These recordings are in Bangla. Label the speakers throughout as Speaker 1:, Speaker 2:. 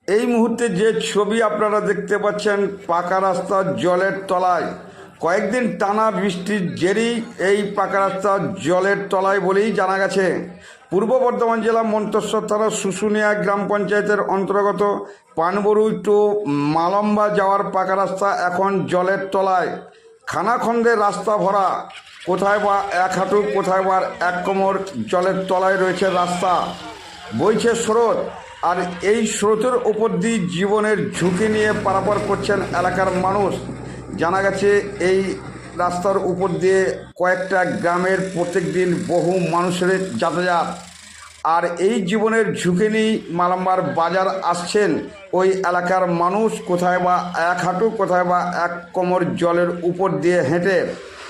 Speaker 1: এই মুহূর্তে যে ছবি আপনারা দেখতে পাচ্ছেন, পাকা রাস্তার জলের তলায় কয়েকদিন টানা বৃষ্টির জেরেই এই পাকা রাস্তা জলের তলায় বলেই জানা গেছে। পূর্ব বর্ধমান জেলা মন্তেশ্বর থানার শুশুনিয়া গ্রাম পঞ্চায়েতের অন্তর্গত পানবরুই টু মালম্বা যাওয়ার পাকা রাস্তা এখন জলের তলায়। খানাখন্দে রাস্তা ভরা, কোথায় বা এক হাঁটু, কোথায় বা এক কোমর জলের তলায় রয়েছে রাস্তা। বইছে স্রোত, আর এই স্রোতের উপর দিয়ে জীবনের ঝুঁকি নিয়ে পারাপার করছেন এলাকার মানুষ। জানা গেছে এই রাস্তার উপর দিয়ে কয়েকটা গ্রামের প্রত্যেক দিন বহু মানুষের যাতায়াত, আর এই জীবনের ঝুঁকি নিয়ে মালাম্বার বাজার আসছেন ওই এলাকার মানুষ, কোথায় বা এক হাঁটু, কোথায় বা এক কোমর জলের উপর দিয়ে হেঁটে।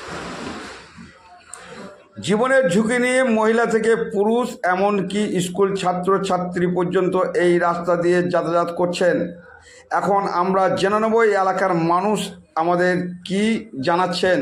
Speaker 1: জীবনের ঝুঁকি নিয়ে মহিলা থেকে পুরুষ, এমনকি স্কুল ছাত্রছাত্রী পর্যন্ত এই রাস্তা দিয়ে যাতায়াত করছেন। এখন আমরা জেনে নেব এই এলাকার মানুষ আমাদের কি জানাচ্ছেন।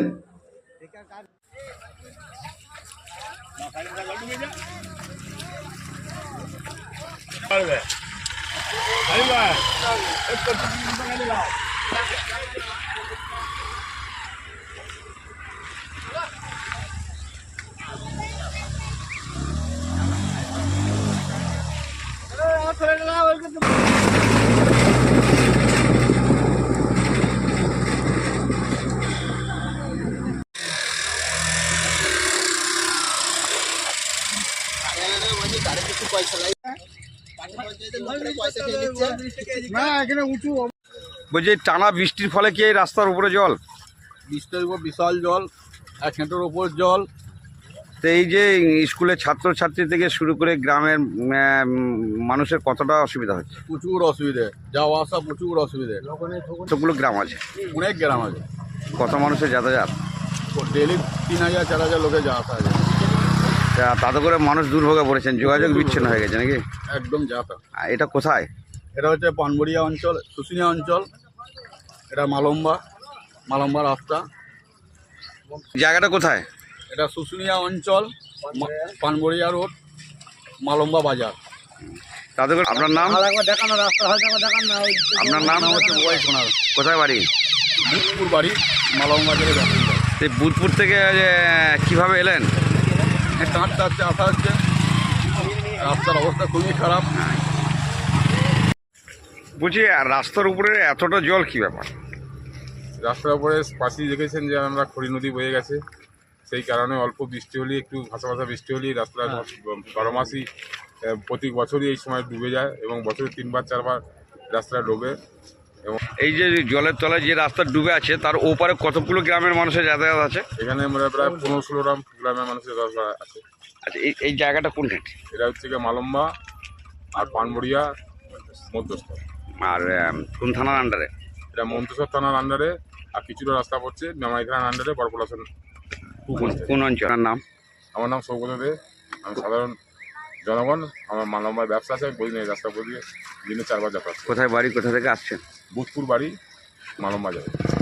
Speaker 1: বলছি, টানা বৃষ্টির ফলে কি এই রাস্তার উপরে জল?
Speaker 2: বৃষ্টির উপর বিশাল জল, 1 হাঁটুর ওপর জল।
Speaker 1: তো এই যে স্কুলের ছাত্রছাত্রী থেকে শুরু করে গ্রামের মানুষের কতটা অসুবিধা হচ্ছে?
Speaker 2: প্রচুর অসুবিধে, যাওয়া আসা প্রচুর অসুবিধে।
Speaker 1: কতগুলো গ্রাম আছে?
Speaker 2: অনেক গ্রাম আছে।
Speaker 1: কত মানুষের যাতায়াত?
Speaker 2: ডেলি 3000-4000 লোকে যাওয়া আসা আছে।
Speaker 1: তাতে করে মানুষ দুর্ভোগে পড়েছেন, যোগাযোগ বিচ্ছিন্ন হয়ে গেছে নাকি?
Speaker 2: একদম যাতায়াত।
Speaker 1: এটা কোথায়?
Speaker 2: এটা হচ্ছে পানবড়িয়া অঞ্চল, শুশুনিয়া অঞ্চল। এটা মালম্বা রাস্তা।
Speaker 1: জায়গাটা কোথায়?
Speaker 2: এটা শুশুনিয়া অঞ্চল, পানবড়িয়া রোড, মালম্বা বাজার।
Speaker 1: তাতে করে আপনার নাম? আপনার নাম
Speaker 2: হচ্ছে ওয়াই সোনার।
Speaker 1: কোথায় বাড়ি?
Speaker 2: বুধপুর বাড়ি, মালম্বা বাজারে বাসিন্দা।
Speaker 1: এই বুধপুর থেকে কিভাবে এলেন?
Speaker 2: কাঁদতে আসা হচ্ছে, রাস্তার অবস্থা খুবই খারাপ।
Speaker 1: বলছি, আর রাস্তার উপরে এতটা জল কি ব্যাপার?
Speaker 3: রাস্তার উপরে পাশেই দেখেছেন যে আমরা খড়ি নদী বয়ে গেছে, সেই কারণে অল্প বৃষ্টি হলেই, একটু ভাসা ভাসা বৃষ্টি হলেই রাস্তা 12 মাসই প্রতি বছরই এই সময় ডুবে যায়, এবং বছরে 3-4বার রাস্তাটা ডোবে। এবং
Speaker 1: এই যে জলের তলায় যে রাস্তা ডুবে আছে, তার ওপারে কতগুলো গ্রামের মানুষের যাতায়াত আছে?
Speaker 3: এখানে আমরা প্রায় 15-16 গ্রামের মানুষের রাস্তা আছে।
Speaker 1: আচ্ছা, এই জায়গাটা কোনটা?
Speaker 3: এটা হচ্ছে গিয়ে মালম্বা আর পানবড়িয়া মধ্যস্থ।
Speaker 1: আর কোন থানার আন্ডারে?
Speaker 3: এটা মন্তেশ্বর থানার আন্ডারে, আর কিছুটা রাস্তা পড়ছে মেমারি থানার আন্ডারে, বরপলাশন।
Speaker 1: কোন অঞ্চলের নাম?
Speaker 3: আমার নাম সৌগত দে। আমি সাধারণ জনগণ, আমার মালম্বার ব্যবসা আছে, আমি প্রতিদিন এই রাস্তা দিয়ে দিনে 4বার যাতায়াত।
Speaker 1: কোথায় বাড়ি, কোথা থেকে আসছেন?
Speaker 3: বুধপুর বাড়ি, মালম্বা যাবে।